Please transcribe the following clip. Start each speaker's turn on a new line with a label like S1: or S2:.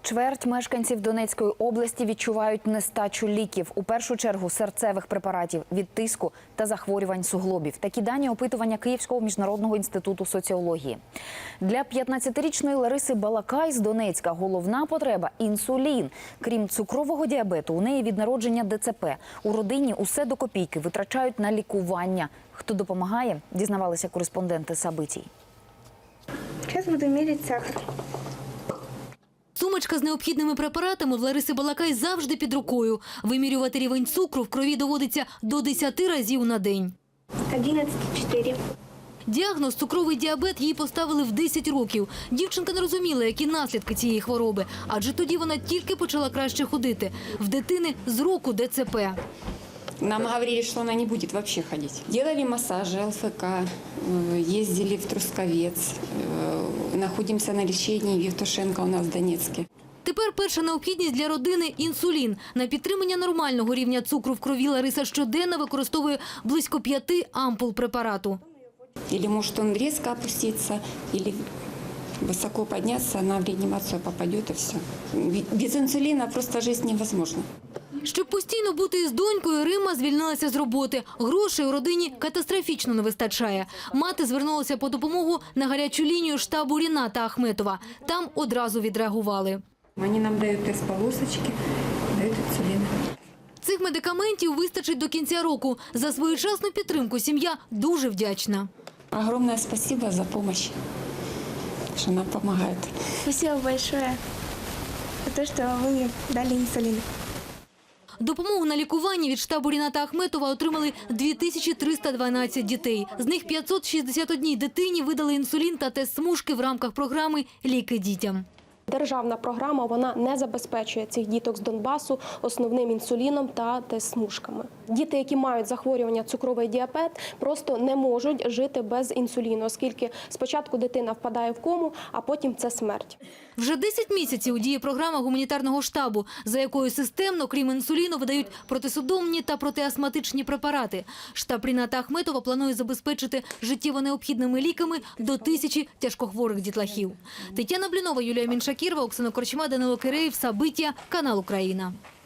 S1: Чверть мешканців Донецької області відчувають нестачу ліків. У першу чергу серцевих препаратів від тиску та захворювань суглобів. Такі дані опитування Київського міжнародного інституту соціології. Для 15-річної Лариси Балакай з Донецька головна потреба – інсулін. Крім цукрового діабету, у неї від народження ДЦП. У родині усе до копійки витрачають на лікування. Хто допомагає, дізнавалися кореспонденти Сабитій.
S2: Зараз буду міряти сахар.
S3: Сумочка з необхідними препаратами в Лариси Балакай завжди під рукою. Вимірювати рівень цукру в крові доводиться до 10 разів на день.
S2: 11,4.
S3: Діагноз цукровий діабет їй поставили в 10 років. Дівчинка не розуміла, які наслідки цієї хвороби, адже тоді вона тільки почала краще ходити. В дитини з року ДЦП.
S4: Нам говорили, что она не будет вообще ходить. Делали массажи, ЛФК, ездили в Трусковец, находимся на лечении в Евтушенко у нас в Донецке.
S3: Тепер перша необхідність для родини – інсулін. На підтримання нормального рівня цукру в крові Лариса щоденно використовує близько 5 ампул препарату.
S4: Или может он резко опуститься, или высоко подняться, она в реанимацию попадет и все. Без инсулина просто жизнь невозможна.
S3: Щоб постійно бути із донькою, Римма звільнилася з роботи. Грошей у родині катастрофічно не вистачає. Мати звернулася по допомогу на гарячу лінію штабу Ріната Ахметова. Там одразу відреагували.
S4: Они нам дают тест-полосочки, дают инсулин.
S3: Цих медикаментів вистачить до кінця року. За своєчасну підтримку сім'я дуже вдячна.
S4: Огромное спасибо за помощь, что нам помогает.
S2: Спасибо большое за то, что вы мне дали инсулин.
S3: Допомогу на лікування від штабу Ріната Ахметова отримали 2312 дітей. З них 561 дитині видали інсулін та тест-смужки в рамках програми «Ліки дітям».
S5: Державна програма вона не забезпечує цих діток з Донбасу основним інсуліном та тест-смужками. Діти, які мають захворювання цукровий діабет, просто не можуть жити без інсуліну, оскільки спочатку дитина впадає в кому, а потім це смерть.
S3: Вже 10 місяців діє програма гуманітарного штабу, за якою системно, крім інсуліну, видають протисудомні та протиастматичні препарати. Штаб Ріната Ахметова планує забезпечити життєво необхідними ліками до 1000 тяжкохворих дітлахів. Тетяна Блінова, Юлія Міншакірова, Оксана Корчма, Данило Киреєв, Сабиття, канал Україна.